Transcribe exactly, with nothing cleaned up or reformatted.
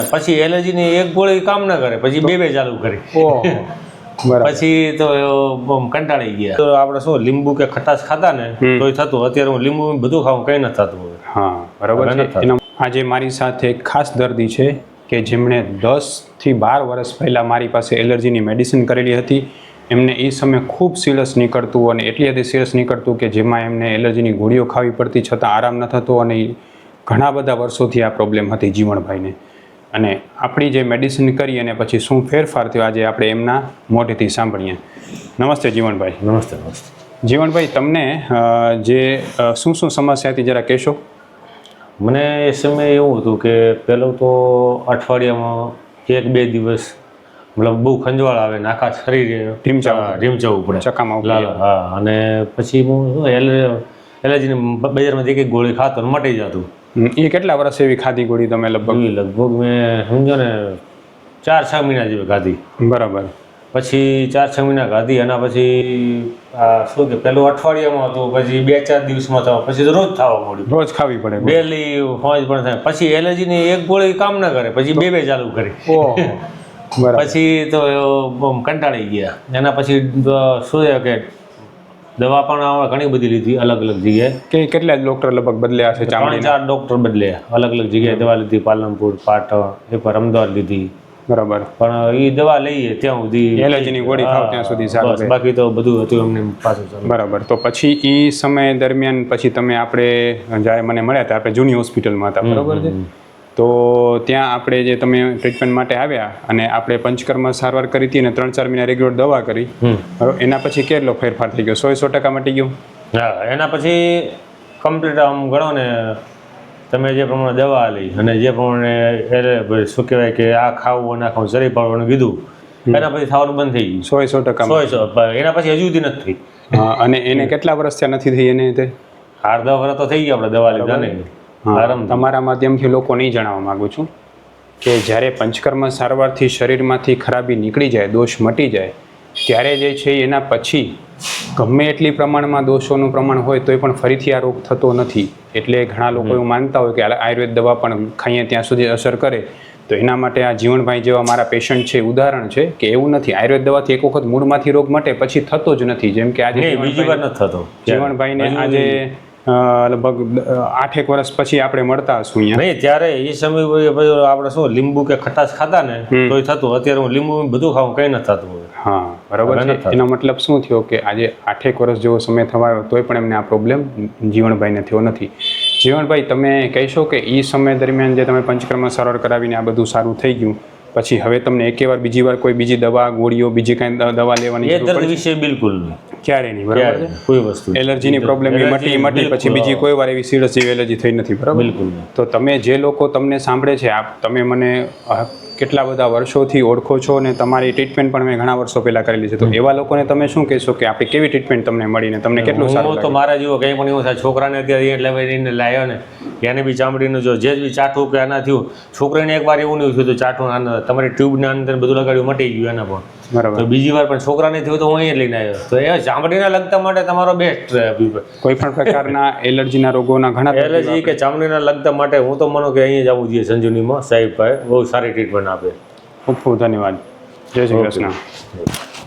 પછી એલર્જીની એક ગોળી કામ ના કરે, પછી બે બે ચાલુ કરી. પછી તો કંટાળી ગયા. તો આપણે શું લીંબુ કે ખટાશ ખાતા ને તોય થતું. અત્યારે હું લીંબુ બધું ખાવું, કઈ નથી થતું. હા બરાબર છે. આજે મારી સાથે એક ખાસ દર્દી છે કે જેમણે દસ થી બાર વર્ષ પહેલાં મારી પાસે એલર્જીની મેડિસિન કરેલી હતી. એમને એ સમયે ખૂબ સિરિયસ નીકળતું અને એટલી હદે સિરિયસ નીકળતું કે જેમાં એમને એલર્જીની ગોળીઓ ખાવી પડતી, છતાં આરામ ન થતો અને ઘણા બધા વર્ષોથી આ પ્રોબ્લેમ હતી જીવણભાઈને. અને આપણી જે મેડિસિન કરી અને પછી શું ફેરફાર થયો આજે આપણે એમના મોઢેથી સાંભળીએ. નમસ્તે જીવણભાઈ. નમસ્તે નમસ્તે જીવણભાઈ, તમને જે શું શું સમસ્યા હતી જરા કહેશો? મને એ સમયે એવું હતું કે પહેલું તો અઠવાડિયામાં એક બે દિવસ મતલબ બહુ ખંજવાળ આવે ને આખા શરીરે ઢીમચાવું ઢીમચાવવું પડે, ચકામાં. હા, અને પછી હું એલર્જીની બજારમાં જે કંઈક ગોળી ખાતો ને મટી જતું. એ કેટલા વર્ષ એવી ખાધી ગોળી તમે? લગભગ લગભગ મેં સમજો ને ચાર છ મહિના જેવી ખાધી. બરાબર. પછી ચાર છ મહિના ખાધી. એના પછી આ શું કે પેલું અઠવાડિયામાં હતું, પછી બે ચાર દિવસમાં થવા, પછી તો રોજ થવા મળ્યું. રોજ ખાવી પડે ડેલી હોજ પણ થાય. પછી એલર્જીની એક ગોળી કામ ના કરે, પછી બે બે ચાલુ કરી. પછી તો કંટાળી ગયા. એના પછી શું છે કે દવા પણ ઘણી બધી લીધી અલગ અલગ જગ્યાએ. કે કેટલા ડોક્ટર લગભગ બદલ્યા છે? ત્રણ ચાર ડોક્ટર બદલ્યા, અલગ અલગ જગ્યાએ દવા લીધી. પાલનપુર, પાટણ, એ પર અમદાવાદ લીધી. બરાબર. પણ એ દવા લઈએ ત્યાં સુધી એલર્જીની ગોળી ખાવ ત્યાં સુધી સારું. બાકી તો બધું હતું એમને પાછું. બરાબર. તો પછી એ સમય દરમિયાન પછી તમે આપણે જ્યારે મને મળ્યા હતા, આપણે જૂની હોસ્પિટલમાં હતા, બરાબર છે? તો ત્યાં આપણે જે તમે ટ્રીટમેન્ટ માટે આવ્યા અને આપણે પંચકર્મ સારવાર કરી હતી અને ત્રણ ચાર મહિના રેગ્યુલર દવા કરી, એના પછી કેટલો ફેરફાર થઈ ગયો? સો સો ટકા મટી ગયું? હા, એના પછી કમ્પ્લીટ આમ ગણો ને તમે જે પ્રમાણે દવા લઈ અને જે પ્રમાણે શું કહેવાય કે આ ખાવું અને આ ખાવું શરીર પાડવાનું કીધું, એના પછી થવાનું બંધ થઈ ગયું. સો સો ટકા સો સો એના પછી હજુ સુધી નથી થઈ. અને એને કેટલા વર્ષ ત્યાં નથી થઈ? એને તે અડધા વર્ષ તો થઈ ગયા આપણે દવા લીધા ને. તમારા માધ્યમથી લોકો નહીં જણાવવા માગું છું કે જ્યારે પંચકર્મ સારવારથી શરીરમાંથી ખરાબી નીકળી જાય, દોષ મટી જાય, ત્યારે જે છે એના પછી ગમે એટલી પ્રમાણમાં દોષોનું પ્રમાણ હોય તોય પણ ફરીથી આ રોગ થતો નથી. એટલે ઘણા લોકો એવું માનતા હોય કે આયુર્વેદ દવા પણ ખાઈએ ત્યાં સુધી અસર કરે. તો એના માટે આ જીવણભાઈ જેવા મારા પેશન્ટ છે ઉદાહરણ છે કે એવું નથી. આયુર્વેદ દવાથી એક વખત મૂળમાંથી રોગ મટે પછી થતો જ નથી. જેમ કે આજે બીજી વાર નથી થતો. જીવણભાઈને આજે લગભગ આઠેક વર્ષ પછી આપણે મળતા હશું અહીંયા. નહીં, ત્યારે એ સમય આપણે શું લીંબુ કે ખટાશ ખાતા ને તોય થતું. અત્યારે હું લીંબુ બધું ખાવું, કઈ નથી થતું. હા બરાબર છે. એનો મતલબ શું થયો કે આજે આઠેક વર્ષ જેવો સમય થવાયો તોય પણ એમને આ પ્રોબ્લેમ જીવણભાઈને થયો નથી. જીવણભાઈ, તમે કહેશો કે એ સમય દરમિયાન જે તમે પંચકર્મ સારવાર કરાવીને આ બધું સારું થઈ ગયું, પછી હવે તમને એકે વાર બીજી વાર કોઈ બીજી દવા ગોળીઓ બીજી કાંઈ દવા લેવાની એ દર્દ વિશે બિલકુલ નહીં, ક્યારે નહીં? બરાબર છે. કોઈ વસ્તુ એલર્જીની પ્રોબ્લેમ મટી મટી પછી બીજી કોઈ વાર એવી સિરિયસ જેવી એલર્જી થઈ નથી, બરાબર? બિલકુલ. તો તમે જે લોકો તમને સાંભળે છે, આપ તમે મને કેટલા બધા વર્ષોથી ઓળખો છો અને તમારી ટ્રીટમેન્ટ પણ મેં ઘણા વર્ષો પહેલાં કરેલી છે, તો એવા લોકોને તમે શું કહેશો કે આપણી કેવી ટ્રીટમેન્ટ તમને મળીને તમને કેટલું સારું? તો મારા જેવો કંઈ પણ એવું થાય, છોકરાને અત્યારે એટલે એને લાવ્યો ને એને બી ચામડીનું જો જે બી ચાઠું કે આના થયું, છોકરાને એકવાર એવું નહીં થયું તો ચાઠું આના તમારી ટ્યુબના અંદર બધું લગાડ્યું મટી ગયું એના પણ. બરાબર. તો બીજી વાર પણ છોકરાને થયું તો હું અહીંયા લઈને આવ્યો. તો એ ચામડીના લગતા માટે તમારો બેસ્ટ. કોઈ પણ પ્રકારના એલર્જીના રોગોના ઘણા એલર્જી કે ચામડીના લગતા માટે હું તો માનું કે અહીંયા જવું જોઈએ સંજીવનીમાં. સાહેબ ભાઈ બહુ સારી ટ્રીટમેન્ટ આપે. ખૂબ ખૂબ ધન્યવાદ. જય શ્રી કૃષ્ણ.